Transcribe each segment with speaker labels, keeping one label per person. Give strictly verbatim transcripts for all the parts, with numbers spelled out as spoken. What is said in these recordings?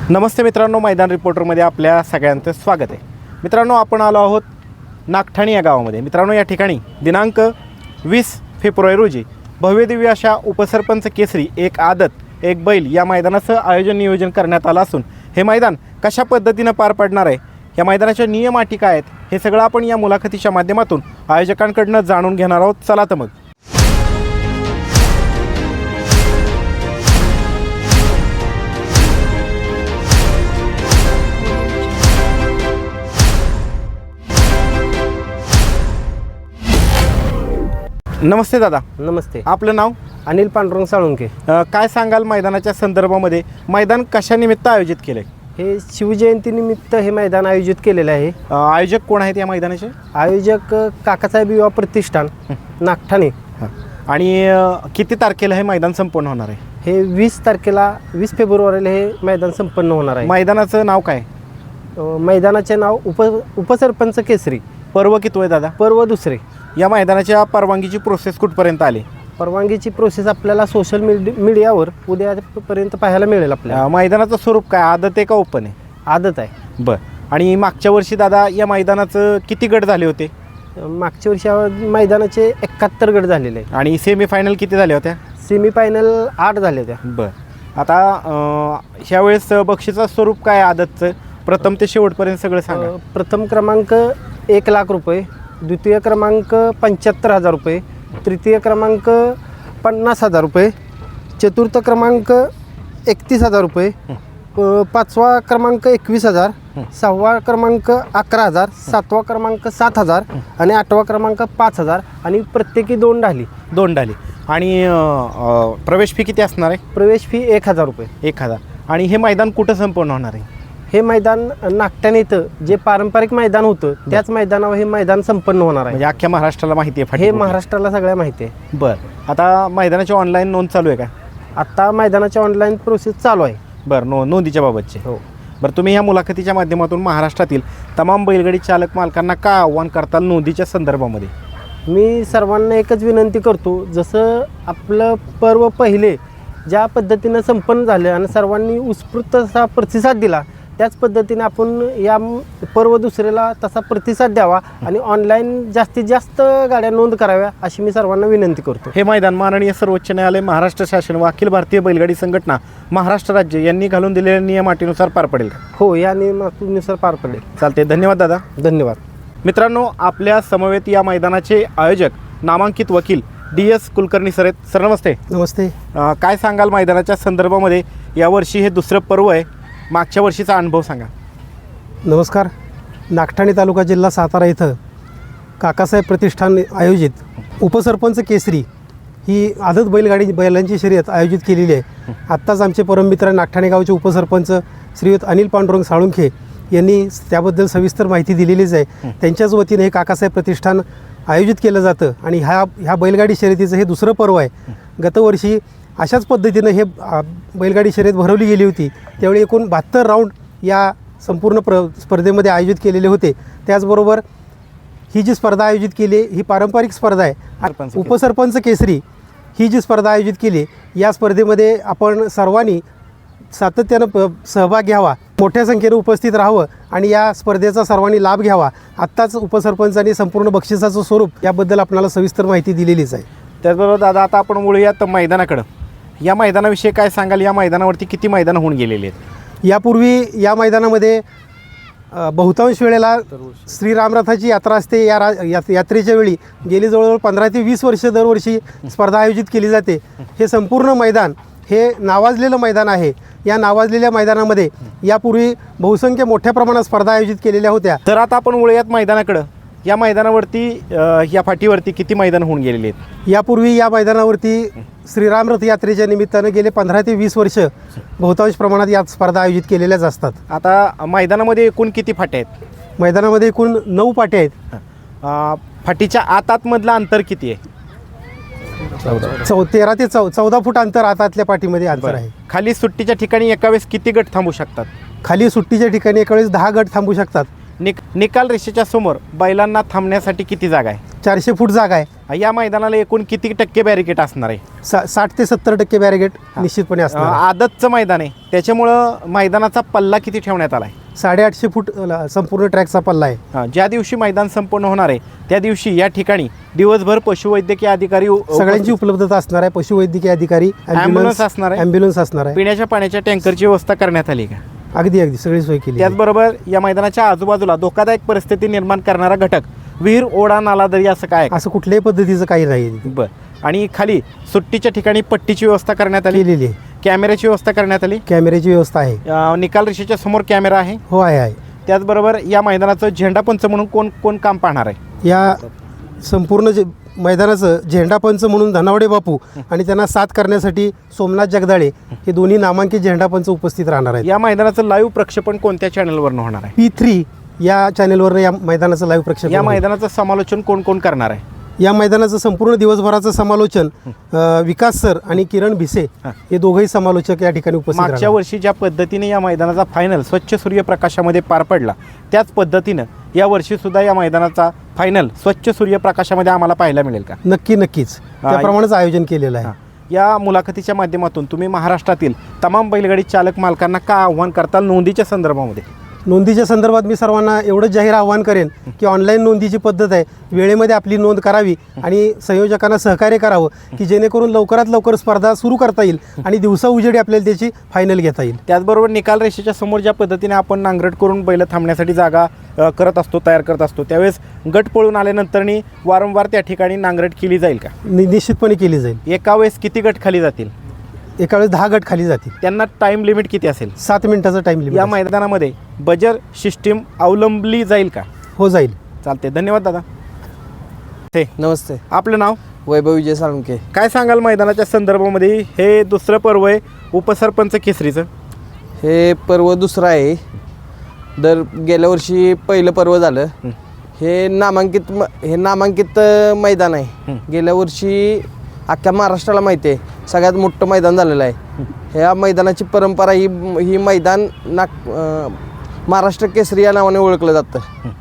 Speaker 1: नमस्ते मित्रांनो, मैदान रिपोर्टरमध्ये आपल्या सगळ्यांचं स्वागत आहे। मित्रांनो, आपण आलो आहोत नागठाणे या गावामध्ये। मित्रांनो, या ठिकाणी दिनांक वीस फेब्रुवारी रोजी भव्यदिव्य अशा उपसरपंच केसरी एक आदत एक बैल या मैदानाचं आयोजन नियोजन करण्यात आलं असून हे मैदान कशा पद्धतीनं पार पडणार आहे, या मैदानाच्या नियम अटी काय आहेत, हे सगळं आपण या मुलाखतीच्या माध्यमातून आयोजकांकडून जाणून घेणार आहोत। चला तर मग नमस्ते दादा।
Speaker 2: नमस्ते।
Speaker 1: आपलं नाव?
Speaker 2: अनिल पांडुरंग साळुंके।
Speaker 1: काय सांगाल मैदानाच्या संदर्भामध्ये? मैदान कशानिमित्त आयोजित केले?
Speaker 2: हे शिवजयंतीनिमित्त हे मैदान आयोजित केलेलं आहे।
Speaker 1: आयोजक कोण आहेत या मैदानाचे?
Speaker 2: आयोजक काकासाहेब युवा प्रतिष्ठान नागठाणे।
Speaker 1: आणि किती तारखेला हे मैदान संपन्न होणार आहे?
Speaker 2: हे वीस तारखेला वीस फेब्रुवारीला हे मैदान संपन्न होणार आहे।
Speaker 1: मैदानाचं नाव काय?
Speaker 2: मैदानाचे नाव उप उपसरपंच केसरी।
Speaker 1: पर्व किती आहे दादा?
Speaker 2: पर्व दुसरे।
Speaker 1: या मैदानाच्या परवानगीची प्रोसेस कुठपर्यंत आली?
Speaker 2: परवानगीची प्रोसेस आपल्याला सोशल मीडिया मीडियावर उद्यापर्यंत पाहायला मिळेल। आपल्या
Speaker 1: मैदानाचं स्वरूप काय, आदत आहे का ओपन आहे?
Speaker 2: आदत आहे।
Speaker 1: बरं। आणि मागच्या वर्षी दादा या मैदानाचं किती गट झाले होते?
Speaker 2: मागच्या वर्षी मैदानाचे एकाहत्तर गट झालेले आहे।
Speaker 1: आणि सेमीफायनल किती झाल्या होत्या?
Speaker 2: सेमीफायनल आठ झाले होत्या।
Speaker 1: बरं। आता ह्यावेळेस बक्षीचं स्वरूप काय आदतचं? प्रथम ते शेवटपर्यंत सगळं सांगा।
Speaker 2: प्रथम क्रमांक एक लाख रुपये, द्वितीय क्रमांक पंच्याहत्तर हजार रुपये, तृतीय क्रमांक पन्नास हजार रुपये, चतुर्थ क्रमांक एकतीस हजार रुपये, पाचवा क्रमांक एकवीस हजार, सहावा क्रमांक अकरा हजार, सातवा क्रमांक सात हजार आणि आठवा क्रमांक पाच हजार आणि प्रत्येकी दोन ढाली
Speaker 1: दोन ढाली आणि प्रवेश फी किती असणार आहे?
Speaker 2: प्रवेश फी एक हजार रुपये
Speaker 1: एक हजार आणि हे मैदान कुठं संपन्न होणार आहे?
Speaker 2: हे मैदान नागठाणे इथं जे पारंपरिक मैदान होतं त्याच मैदानावर हे मैदान संपन्न होणार आहे।
Speaker 1: म्हणजे अख्ख्या महाराष्ट्राला माहिती आहे?
Speaker 2: हे महाराष्ट्राला सगळ्या माहिती आहे।
Speaker 1: बरं। आता मैदानाची ऑनलाईन नोंद चालू आहे का?
Speaker 2: आता मैदानाची ऑनलाईन प्रोसेस चालू आहे।
Speaker 1: बरं। नो नोंदीच्या बाबतचे
Speaker 2: हो।
Speaker 1: बरं, तुम्ही ह्या मुलाखतीच्या माध्यमातून महाराष्ट्रातील तमाम बैलगाडी चालक मालकांना का आव्हान करताल नोंदीच्या संदर्भामध्ये?
Speaker 2: मी सर्वांना एकच विनंती करतो, जसं आपलं पर्व पहिले ज्या पद्धतीनं संपन्न झालं आणि सर्वांनी उत्स्फूर्त असा प्रतिसाद दिला, त्याच पद्धतीने आपण या पर्व दुसऱ्याला तसा प्रतिसाद द्यावा आणि ऑनलाईन जास्तीत जास्त गाड्या नोंद कराव्या अशी मी सर्वांना विनंती करतो।
Speaker 1: हे मैदान माननीय सर्वोच्च न्यायालय, महाराष्ट्र शासन व अखिल भारतीय बैलगाडी संघटना महाराष्ट्र राज्य यांनी घालून दिलेल्या नियम अटीनुसार पार पडेल का?
Speaker 2: हो, या नियमानुसार पार पडेल।
Speaker 1: चालते। धन्यवाद दादा।
Speaker 2: धन्यवाद।
Speaker 1: मित्रांनो, आपल्या समवेत या मैदानाचे आयोजक नामांकित वकील डी एस कुलकर्णी सर आहेत। सर नमस्ते।
Speaker 2: नमस्ते।
Speaker 1: काय सांगाल मैदानाच्या संदर्भामध्ये? यावर्षी हे दुसरं पर्व आहे, मागच्या वर्षीचा अनुभव सांगा।
Speaker 3: नमस्कार। नागठाणे तालुका जिल्हा सातारा इथं काकासाहेब प्रतिष्ठान आयोजित उपसरपंच केसरी ही आदत बैलगाडी बैलांची शर्यत आयोजित केलेली आहे। आत्ताच आमचे परममित्र नागठाणे गावचे उपसरपंच श्रीयुत अनिल पांडुरंग साळुंखे यांनी त्याबद्दल सविस्तर माहिती दिलेलीच आहे। त्यांच्याच वतीने हे काकासाहेब प्रतिष्ठान आयोजित केलं जातं आणि ह्या ह्या बैलगाडी शर्यतीचं हे दुसरं पर्व आहे। गतवर्षी अशाच पद्धतीनं हे बैलगाडी शर्यत भरवली गेली होती, त्यावेळी एकूण बहात्तर राऊंड या संपूर्ण प्र स्पर्धेमध्ये आयोजित केलेले होते। त्याचबरोबर ही जी स्पर्धा आयोजित केली ही पारंपरिक स्पर्धा आहे। उपसरपंच केसरी ही जी स्पर्धा आयोजित केली, या स्पर्धेमध्ये आपण सर्वांनी सातत्यानं प सहभाग घ्यावा, मोठ्या संख्येने उपस्थित राहावं आणि या स्पर्धेचा सर्वांनी लाभ घ्यावा। आत्ताच उपसरपंचांनी संपूर्ण बक्षिसाचं स्वरूप याबद्दल आपल्याला सविस्तर माहिती दिलेलीच आहे।
Speaker 1: त्याचबरोबर दादा, आता आपण बोलूयात मैदानाकडं। या मैदानाविषयी काय सांगाल? या मैदानावरती किती मैदानं होऊन गेलेली आहेत?
Speaker 3: यापूर्वी या मैदानामध्ये बहुतांश वेळेला श्रीरामरथाची यात्रा असते। या रा यात्रेच्या वेळी गेली जवळजवळ पंधरा ते वीस वर्ष दरवर्षी स्पर्धा आयोजित केली जाते। हे संपूर्ण मैदान हे नावाजलेलं मैदान आहे। या नावाजलेल्या मैदानामध्ये यापूर्वी बहुसंख्य मोठ्या प्रमाणात स्पर्धा आयोजित केलेल्या होत्या।
Speaker 1: तर आता आपण बोलूयात मैदानाकडं। या मैदानावरती या फाटीवरती किती मैदान होऊन गेलेली आहेत?
Speaker 3: यापूर्वी या मैदानावरती श्रीरामरथ यात्रेच्या निमित्तानं गेले पंधरा ते वीस वर्ष बहुतांश प्रमाणात या स्पर्धा आयोजित केलेल्याच असतात।
Speaker 1: आता मैदानामध्ये एकूण किती फाट्या आहेत?
Speaker 3: मैदानामध्ये एकूण नऊ पाट्या आहेत।
Speaker 1: फाटीच्या आत आतमधलं अंतर किती आहे?
Speaker 3: चौ तेरा ते चौ चौदा फूट अंतर आतातल्या पाठीमध्ये अंतर आहे।
Speaker 1: खाली सुट्टीच्या ठिकाणी एका वेळेस किती गट थांबू शकतात?
Speaker 3: खाली सुट्टीच्या ठिकाणी एका वेळेस दहा गट थांबू शकतात।
Speaker 1: निक निकाल रेषेच्या समोर बैलांना थांबण्यासाठी किती जागा आहे?
Speaker 3: चारशे फूट जागा आहे.
Speaker 1: या मैदानाला एकूण किती टक्के बॅरिकेट असणार आहे?
Speaker 3: सा साठ ते सत्तर टक्के बॅरिगेट निश्चितपणे असणार आहे.
Speaker 1: आदतचं मैदान आहे त्याच्यामुळं मैदानाचा पल्ला किती ठेवण्यात आला आहे?
Speaker 3: साडेआठशे फूट अ, संपूर्ण ट्रॅकचा पल्ला आहे.
Speaker 1: हां, ज्या दिवशी मैदान संपन्न होणार आहे त्या दिवशी या ठिकाणी दिवसभर पशुवैद्यकीय अधिकारी उ-
Speaker 3: सगळ्यांची उपलब्धता असणार आहे. पशुवैद्यकीय अधिकारी,
Speaker 1: ॲम्ब्युलन्स असणार आहे.
Speaker 3: ॲम्ब्युलन्स असणार आहे.
Speaker 1: पिण्याच्या पाण्याच्या टँकरची व्यवस्था करण्यात आली का?
Speaker 3: अगदी अगदी सगळी सोय केली आहे.
Speaker 1: त्याचबरोबर या मैदानाच्या आजूबाजूला धोकादायक परिस्थिती निर्माण करणारा घटक विहीर, ओढा, नाला, दरी असं काय आहे का?
Speaker 3: असं कुठल्याही पद्धतीचं काही नाही
Speaker 1: बर. आणि खाली सुट्टीच्या ठिकाणी पट्टीची व्यवस्था करण्यात आली,
Speaker 3: केलेली आहे.
Speaker 1: कॅमेऱ्याची व्यवस्था करण्यात आली,
Speaker 3: कॅमेऱ्याची व्यवस्था आहे.
Speaker 1: अं, निकाल रेषेच्या समोर कॅमेरा आहे.
Speaker 3: हो आहे आहे.
Speaker 1: त्याचबरोबर या मैदानाचं झेंडापंच म्हणून कोण कोण काम पाहणार आहे?
Speaker 3: या संपूर्ण जे मैदानाचं झेंडापंच म्हणून धनावडे बापू आणि त्यांना साथ करण्यासाठी सोमनाथ जगदाळे हे दोन्ही नामांकित झेंडापंच उपस्थित राहणार आहेत.
Speaker 1: या मैदानाचं लाईव्ह प्रक्षेपण कोणत्या चॅनलवरनं होणार आहे?
Speaker 3: पी थ्री या चॅनेलवरनं या मैदानाचं लाईव्ह प्रक्षेपण
Speaker 1: या
Speaker 3: होईल.
Speaker 1: मैदानाचं समालोचन कोण कोण करणार आहे?
Speaker 3: या मैदानाचं संपूर्ण दिवसभराचं समालोचन अ, विकास सर आणि किरण भिसे हे दोघंही समालोचक या ठिकाणी उपस्थित
Speaker 1: मागच्या
Speaker 3: राहणार.
Speaker 1: वर्षी ज्या पद्धतीने या मैदानाचा फायनल स्वच्छ सूर्यप्रकाशामध्ये पार पडला त्याच पद्धतीनं या वर्षी सुद्धा या मैदानाचा फायनल स्वच्छ सूर्यप्रकाशामध्ये आम्हाला पाहायला मिळेल का?
Speaker 3: नक्की नक्कीच त्याप्रमाणेच आयोजन केलेलं आहे.
Speaker 1: या मुलाखतीच्या माध्यमातून तुम्ही महाराष्ट्रातील तमाम बैलगाडी चालक मालकांना का आव्हान करताल नोंदीच्या संदर्भामध्ये?
Speaker 3: नोंदीच्या संदर्भात मी सर्वांना एवढंच जाहीर आवाहन करेन की ऑनलाईन नोंदीची पद्धत आहे, वेळेमध्ये आपली नोंद करावी आणि संयोजकांना सहकार्य करावं की जेणेकरून लवकरात लवकर स्पर्धा सुरू करता येईल आणि दिवसा उजेडी आपल्याला त्याची फायनल घेता येईल.
Speaker 1: त्याचबरोबर निकाल रेषेच्या समोर ज्या पद्धतीने आपण नांगरट करून बैल थांबण्यासाठी जागा अ, करत असतो, तयार करत असतो, त्यावेळेस गट पळून आल्यानंतरनी वारंवार त्या ठिकाणी नांगरट केली जाईल का?
Speaker 3: नि निश्चितपणे केली जाईल.
Speaker 1: एका वेळेस किती गट खाली जातील?
Speaker 3: एका वेळेस दहा गट खाली जातील.
Speaker 1: त्यांना टाईम लिमिट किती असेल?
Speaker 3: सात मिनिटाचा टाइम लिमिट
Speaker 1: या मैदानामध्ये बजर सिस्टीम अवलंबली जाईल का?
Speaker 3: हो जाईल.
Speaker 1: चालते, धन्यवाद दादा. ते
Speaker 4: नमस्ते,
Speaker 1: आपलं नाव?
Speaker 4: वैभव विजय साळुंके.
Speaker 1: काय सांगाल मैदानाच्या संदर्भामध्ये? हे दुसरं पर्व आहे उपसरपंच केसरीचं.
Speaker 4: हे पर्व दुसरं आहे. दर गेल्या वर्षी पहिलं पर्व झालं. हे नामांकित म हे नामांकित अ, मैदान आहे. गेल्या वर्षी अख्ख्या महाराष्ट्राला माहिती आहे सगळ्यात मोठं मैदान झालेलं आहे. ह्या मैदानाची परंपरा ही ही मैदान नाग अ, महाराष्ट्र केसरी या नावाने ओळखलं जातं.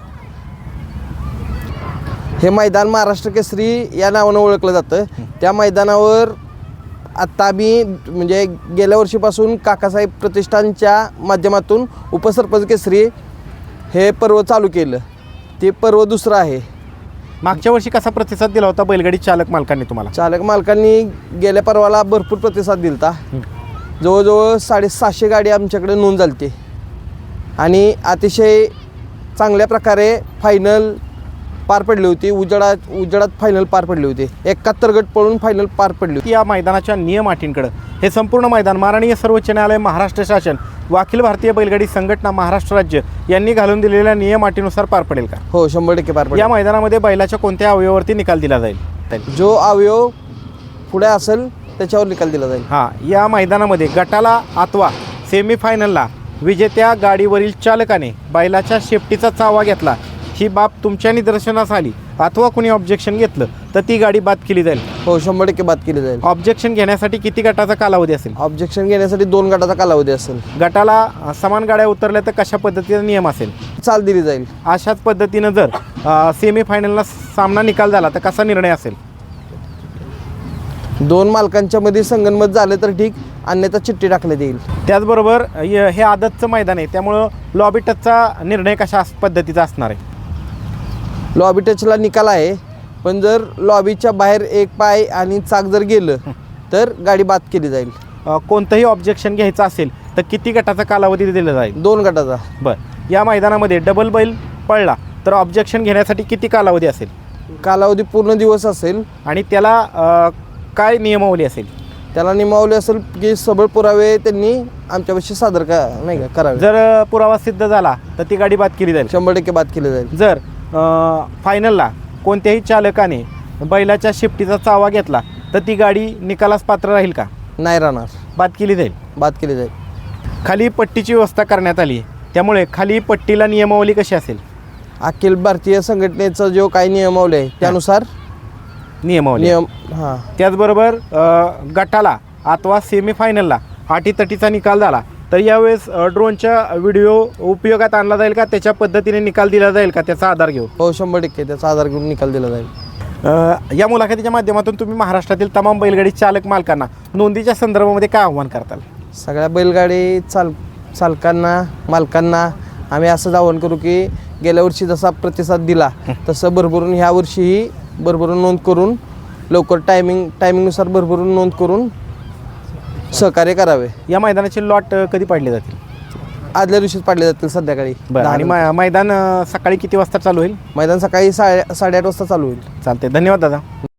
Speaker 4: हे मैदान महाराष्ट्र केसरी या नावानं ओळखलं जातं. त्या मैदानावर आत्ता आम्ही म्हणजे गेल्या वर्षीपासून काकासाहेब प्रतिष्ठानच्या माध्यमातून उपसरपंच केसरी हे पर्व चालू केलं. ते पर्व दुसरं आहे.
Speaker 1: मागच्या वर्षी कसा प्रतिसाद दिला होता बैलगाडी चालक मालकांनी तुम्हाला?
Speaker 4: चालक मालकांनी गेल्या पर्वाला भरपूर प्रतिसाद दिला. जवळजवळ साडेसहाशे गाडी आमच्याकडे नोंद झाली होती आणि अतिशय चांगल्या प्रकारे फायनल पार पडली होती. उजेडात उजेडात फायनल पार पडली होती. एकाहत्तर गट पळून फायनल पार पडली होती.
Speaker 1: या मैदानाच्या नियम अटींकडे हे संपूर्ण मैदान माननीय सर्वोच्च न्यायालय, महाराष्ट्र शासन व अखिल भारतीय बैलगाडी संघटना महाराष्ट्र राज्य यांनी घालून दिलेल्या नियम अटीनुसार पार पडेल का?
Speaker 4: हो, शंभर टक्के पार पडली.
Speaker 1: या मैदानामध्ये बैलाच्या कोणत्या अवयवावरती निकाल दिला जाईल?
Speaker 4: जो अवयव पुढे असेल त्याच्यावर निकाल दिला जाईल.
Speaker 1: हां, या मैदानामध्ये गटाला अथवा सेमीफायनलला विजेत्या गाडीवरील चालकाने बैलाच्या शेपटीचा चावा घेतला, ही बाब तुमच्या निदर्शनास आली अथवा कुणी ऑब्जेक्शन घेतलं तर ती गाडी बाद केली जाईल.
Speaker 4: हो, शंभर टक्के बाद केली जाईल.
Speaker 1: ऑब्जेक्शन घेण्यासाठी किती गटाचा कालावधी असेल?
Speaker 4: ऑब्जेक्शन घेण्यासाठी दोन गटाचा कालावधी असेल.
Speaker 1: गटाला अ, समान गाड्या उतरल्या तर कशा पद्धतीचा नियम असेल?
Speaker 4: चाल दिली जाईल.
Speaker 1: अशाच पद्धतीनं जर सेमीफायनलला सामना निकाल झाला तर कसा निर्णय असेल?
Speaker 4: दोन मालकांच्या मध्ये संगनमत झालं तर ठीक, अन्यथा चिठ्ठी टाकण्यात येईल.
Speaker 1: त्याचबरोबर य- हे आदतचं मैदान आहे त्यामुळं लॉबी टचचा निर्णय कशा अस- पद्धतीचा असणार आहे?
Speaker 4: लॉबी टचला निकाल आहे, पण जर लॉबीच्या बाहेर एक पाय आणि चाक जर गेलं तर गाडी बाद केली जाईल.
Speaker 1: अ, कोणतंही ऑब्जेक्शन घ्यायचं असेल तर किती गटाचा कालावधी दिला जाईल?
Speaker 4: दोन गटाचा.
Speaker 1: बरं, या मैदानामध्ये डबल बैल पळला तर ऑब्जेक्शन घेण्यासाठी किती कालावधी असेल
Speaker 4: कालावधी पूर्ण दिवस असेल.
Speaker 1: आणि त्याला अ, काय नियमावली असेल?
Speaker 4: त्याला नियमावली असेल की सबळ पुरावे त्यांनी आमच्यापाशी सादर का नाही का करावे.
Speaker 1: जर अ, पुरावा सिद्ध झाला तर ती गाडी बाद केली जाईल.
Speaker 4: शंभर टक्के बाद केली जाईल.
Speaker 1: जर अ, फायनलला कोणत्याही चालकाने बैलाच्या शिफ्टीचा चावा घेतला तर ती गाडी निकालास पात्र राहील का?
Speaker 4: नाही राहणार,
Speaker 1: बाद केली जाईल.
Speaker 4: बाद केली जाईल.
Speaker 1: खाली पट्टीची व्यवस्था करण्यात आली आहे त्यामुळे खाली पट्टीला नियमावली कशी असेल?
Speaker 4: अखिल भारतीय संघटनेचा जो काही नियमावली आहे त्यानुसार
Speaker 1: नियमावली.
Speaker 4: नियम हां
Speaker 1: त्याचबरोबर अ, गटाला अथवा सेमीफायनलला अटीतटीचा निकाल झाला तर यावेळेस अ, ड्रोनच्या व्हिडिओ उपयोगात आणला जाईल का, त्याच्या पद्धतीने निकाल दिला जाईल का, त्याचा आधार घेऊन?
Speaker 4: हो शंभर टक्के त्याचा आधार घेऊन निकाल दिला जाईल.
Speaker 1: अ, या मुलाखतीच्या माध्यमातून तुम्ही महाराष्ट्रातील तमाम बैलगाडी चालक मालकांना नोंदीच्या संदर्भामध्ये काय आव्हान करताल?
Speaker 4: सगळ्या बैलगाडी चाल चालकांना मालकांना आम्ही असंच आवाहन करू की गेल्या वर्षी जसा प्रतिसाद दिला तसं भरभरून ह्या वर्षीही भरभरून नोंद करून लवकर टायमिंग टायमिंगनुसार भरभरून नोंद करून सहकार्य करावे.
Speaker 1: या मैदानाचे लॉट अ, कधी पाडले जातील?
Speaker 4: आदल्या दिवशीच पाडले जातील संध्याकाळी
Speaker 1: बरं,
Speaker 4: दहा
Speaker 1: आणि
Speaker 4: नंतर.
Speaker 1: मै- मैदान अ, सकाळी किती वाजता चालू होईल?
Speaker 4: मैदान सकाळी साडे साडेआठ वाजता चालू होईल.
Speaker 1: चालते, धन्यवाद दादा.